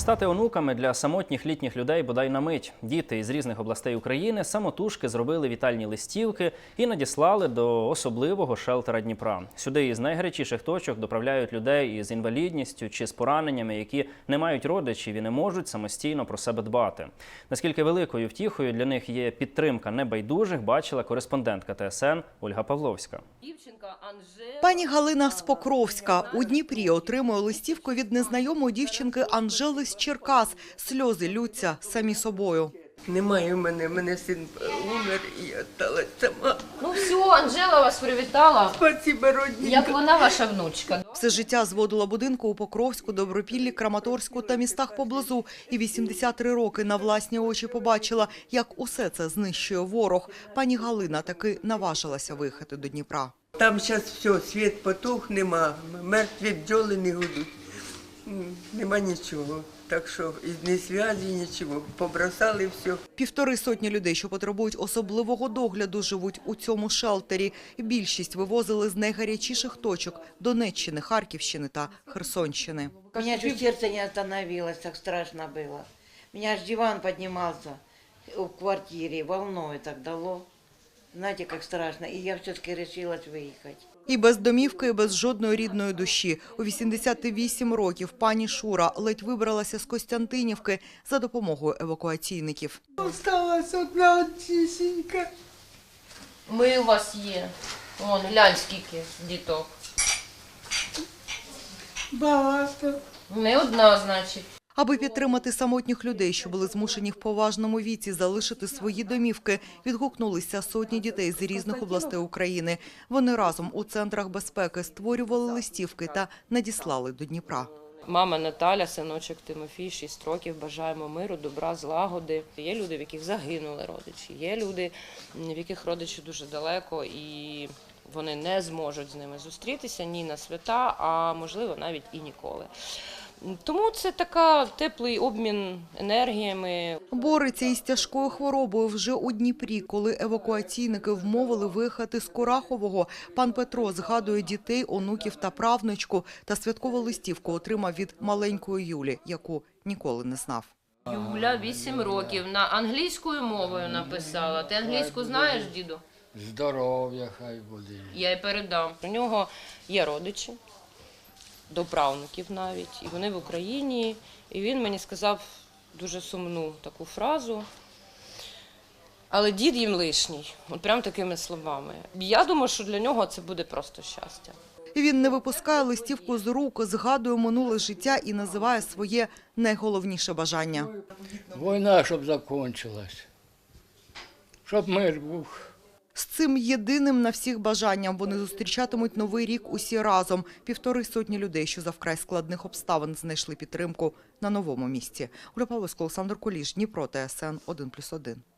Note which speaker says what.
Speaker 1: Стати онуками для самотніх літніх людей бодай на мить. Діти із різних областей України самотужки зробили вітальні листівки і надіслали до особливого шелтера Дніпра. Сюди із найгарячіших точок доправляють людей із інвалідністю чи з пораненнями, які не мають родичів і не можуть самостійно про себе дбати. Наскільки великою втіхою для них є підтримка небайдужих, бачила кореспондентка ТСН Ольга Павловська.
Speaker 2: Пані Галина з Покровська у Дніпрі отримує листівку від незнайомої дівчинки Анжели з Черкас. Сльози ллються самі собою.
Speaker 3: Немає в мене син умер і я сталася сама.
Speaker 4: Ну все, Анжела вас привітала.
Speaker 3: Спасибо, родненька.
Speaker 4: Як вона ваша внучка.
Speaker 2: Все життя зводила будинку у Покровську, Добропіллі, Краматорську та містах поблизу. І 83 роки на власні очі побачила, як усе це знищує ворог. Пані Галина таки наважилася виїхати до Дніпра.
Speaker 3: Там зараз все, світ потух, нема, мертві бджоли не гудуть, нема нічого. Так що ні зв'язі, нічого, побросали все.
Speaker 2: 150 людей, що потребують особливого догляду, живуть у цьому шелтері. Більшість вивозили з найгарячіших точок – Донеччини, Харківщини та Херсонщини.
Speaker 5: У меня чуть сердце не остановилось, так страшно было. Меня аж диван поднимался в квартире, волной так дало. Знаете, как страшно. И я все-таки решилась выехать.
Speaker 2: І без домівки, і без жодної рідної душі. У 88 років пані Шура ледь вибралася з Костянтинівки за допомогою евакуаційників.
Speaker 3: Осталась одна тісенька.
Speaker 4: Ми у вас є. Вон, глянь, скільки діток.
Speaker 3: Багато.
Speaker 4: Не одна, значить.
Speaker 2: Аби підтримати самотніх людей, що були змушені в поважному віці залишити свої домівки, відгукнулися сотні дітей з різних областей України. Вони разом у центрах безпеки створювали листівки та надіслали до Дніпра.
Speaker 6: Мама Наталя, синочок Тимофій, 6 років, бажаємо миру, добра, злагоди. Є люди, в яких загинули родичі, є люди, в яких родичі дуже далеко і вони не зможуть з ними зустрітися ні на свята, а можливо навіть і ніколи. Тому це така теплий обмін енергіями.
Speaker 2: Бореться із тяжкою хворобою вже у Дніпрі, коли евакуаційники вмовили виїхати з Курахового. Пан Петро згадує дітей, онуків та правнучку та святкову листівку отримав від маленької Юлі, яку ніколи не знав.
Speaker 4: Юля 8 років, на англійською мовою написала. Ти англійську знаєш, діду?
Speaker 7: Здоров'я хай буде.
Speaker 4: Я й передам.
Speaker 6: У нього є родичі, до правнуків навіть, і вони в Україні. І він мені сказав дуже сумну таку фразу, але дід їм лишній, от прям такими словами. Я думаю, що для нього це буде просто щастя.
Speaker 2: Він не випускає листівку з рук, згадує минуле життя і називає своє найголовніше бажання.
Speaker 7: Війна, щоб закінчилась, щоб мир був.
Speaker 2: З цим єдиним на всіх бажанням вони зустрічатимуть Новий рік усі разом. 150 людей, що за вкрай складних обставин знайшли підтримку на новому місці. Ольга Павловська, Олександр Куліш, Дніпро, ТСН 1+1.